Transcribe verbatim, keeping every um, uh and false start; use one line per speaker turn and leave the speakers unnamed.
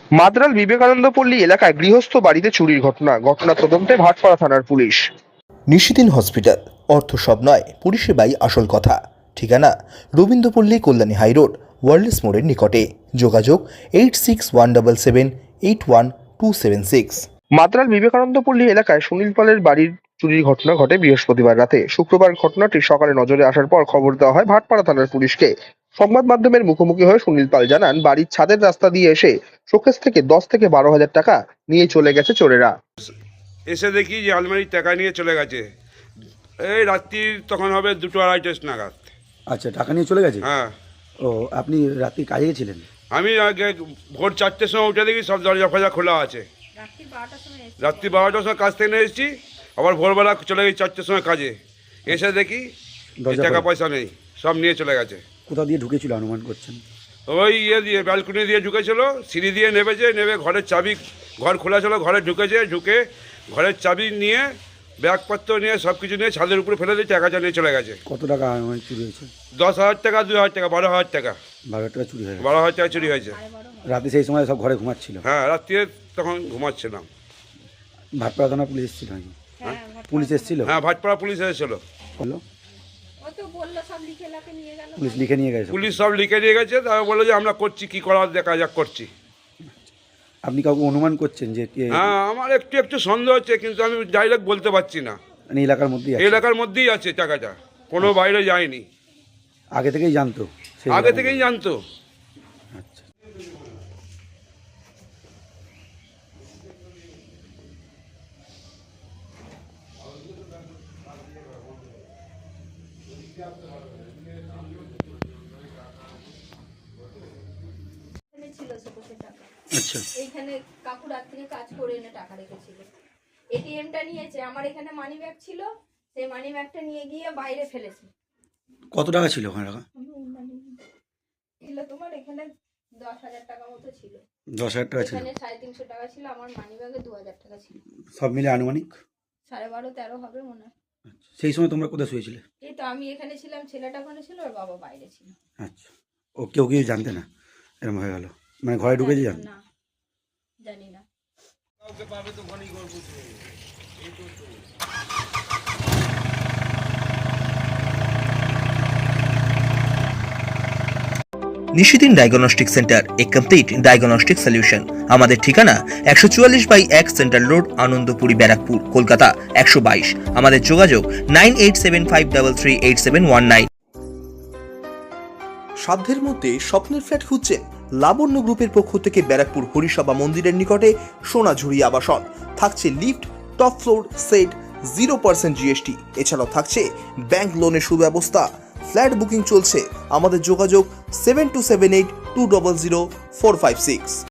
মাদ্রাল বিবেকানন্দ পল্লী এলাকায় গৃহস্থ বাড়িতে চুরির ঘটনা ঘটনা তদন্তে ভাটপাড়া থানার পুলিশ।
নিশিদিন হসপিটাল, অর্থ সব নয়, পরিষেবাই আসল কথা। ঠিকানা রবীন্দ্রপল্লী, কল্যাণী হাইরোড, ওয়ার্ল্ডস মোড়ের নিকটে। যোগাযোগ eight six one double seven eight one two seven six.
মাদ্রাল বিবেকানন্দ পল্লী এলাকায় সুনীল পালের বাড়ির চুরির ঘটনা ঘটে বৃহস্পতিবার রাতে। শুক্রবার ঘটনাটি সকালে নজরে আসার পর খবর দেওয়া হয় ভাটপাড়া থানার পুলিশকে। সংবাদ মাধ্যমের মুখোমুখি হয়ে সুনীল পাল জানান, বাড়ির ছাদের রাস্তা দিয়ে এসে শোকেস থেকে দশ থেকে বারো হাজার টাকা নিয়ে চলে গেছে চোরেরা।
এসে দেখি যে আলমারির টাকা নিয়ে চলে গেছে। এই রাত্রির তখন হবে দুটো আড়াইটে নাগাদ।
আচ্ছা, টাকা নিয়ে চলে গেছে।
হ্যাঁ,
ও আপনি রাত্রি কাজে গেছিলেন?
আমি আগে ভোর চারটের সময় উঠে দেখি সব দরজা ফজা খোলা আছে। রাত্রি বারোটার সময় কাজ থেকে এসেছি, আবার ভোরবেলা চলে গেছি চারটের সময় কাজে। এসে দেখি
দরজা
টাকা
খোলা।
পয়সা নেই, সব নিয়ে চলে গেছে।
কোথা দিয়ে ঢুকেছিল অনুমান করছেন?
ওই ইয়ে দিয়ে ব্যালকনি দিয়ে ঢুকেছিল, সিঁড়ি দিয়ে নেমেছে, নেমে ঘরের চাবি, ঘর খোলা ছিল, ঘরে ঢুকেছে, ঢুকে ঘরের চাবি নিয়ে ব্যাগপত্র নিয়ে সব কিছু নিয়ে ছাদের উপরে ফেলে দিয়ে টাকাটা নিয়ে চলে গেছে।
কত টাকা অনুমান চুরি হয়েছে?
দশ হাজার টাকা, দুই হাজার টাকা, বারো হাজার টাকা।
বারো টাকা চুরি হয়ে গেছে।
বারো হাজার টাকা চুরি হয়েছে।
রাতে সেই সময় সব ঘরে ঘুমাচ্ছিল?
হ্যাঁ, রাত্রিরে তখন ঘুমাচ্ছিলাম।
ভাটপাড়া থানা পুলিশ এসেছিল নাকি? পুলিশ এসেছিল?
হ্যাঁ, ভাটপাড়া পুলিশ এসেছিল।
বললো
ও তো বললো সব লিখে লাখে নিয়ে গেল।
পুলিশ লিখে নিয়ে গেছে?
পুলিশ সব লিখে নিয়ে গেছে। তারা বললো যে আমরা করছি, কি করার দেখা যাক করছি।
আপনি কাউকে অনুমান করছেন যে কে?
হ্যাঁ, আমার একটু একটু সন্দেহ হচ্ছে, কিন্তু আমি ডাইরেক্ট বলতে পারছি না।
মানে এলাকার মধ্যেই
এই
আছে?
এলাকার মধ্যেই আছে টাকাটা, কোনো বাইরে যায়নি।
আগে থেকেই জানতো? সেই
আগে
এলাকার
থেকেই
মধ্যে?
জানতো।
আচ্ছা।
এখানে ছিল শোকেসের টাকা।
আচ্ছা।
এইখানে কাকু রাত থেকে কাজ করে এনে টাকা রেখেছিল। এটিএমটা নিয়েছে, আমার এখানে মানি ব্যাগ ছিল, সেই মানি ব্যাগটা নিয়ে গিয়ে বাইরে ফেলেছে।
কত টাকা ছিল ওখানে টাকা?
ছিল তোমার এখানে দশ হাজার টাকা মতো ছিল।
দশ হাজার টাকা ছিল?
এখানে সাড়ে তিনশো টাকা ছিল, আমার মানি ব্যাগে দু হাজার টাকা ছিল।
সব মিলে আনুমানিক
সাড়ে বারো তেরো হবে মনে হয়।
আচ্ছা। সেই সময় তোমরা কোথায় শুয়েছিলে?
এই তো আমি এখানে ছিলাম, ছেলেটা ওখানে ছিল, ওর বাবা বাইরে ছিল।
আচ্ছা। ও কেউ কেউ জানতে না এরকম হয়ে গেল? মানে ঘরে ঢুকেছে জান?
না, জানি না।
Nishidin diagnostic centre, a complete diagnostic solution. আমাদের ঠিকানা একশো চুয়াল্লিশ বাই এক সেন্ট্রাল রোড, আনন্দপুরি, ব্যারাকপুর, কলকাতা একশো বাইশ। আমাদের যোগাযোগ nine eight seven five three three eight seven one nine. সাধ্যের মধ্যে স্বপ্নের ফ্ল্যাট খুঁজছেন? লাবণ্য গ্রুপের পক্ষ থেকে ব্যারাকপুর হরিসভা মন্দিরের নিকটে সোনাঝুরি আবাসন। থাকছে lift, top floor, set, zero percent GST. এছাড়াও থাকছে ব্যাংক লোনের সুব্যবস্থা। ফ্ল্যাট বুকিং চলছে। আমাদের যোগাযোগ seven two seven eight two double zero four five six.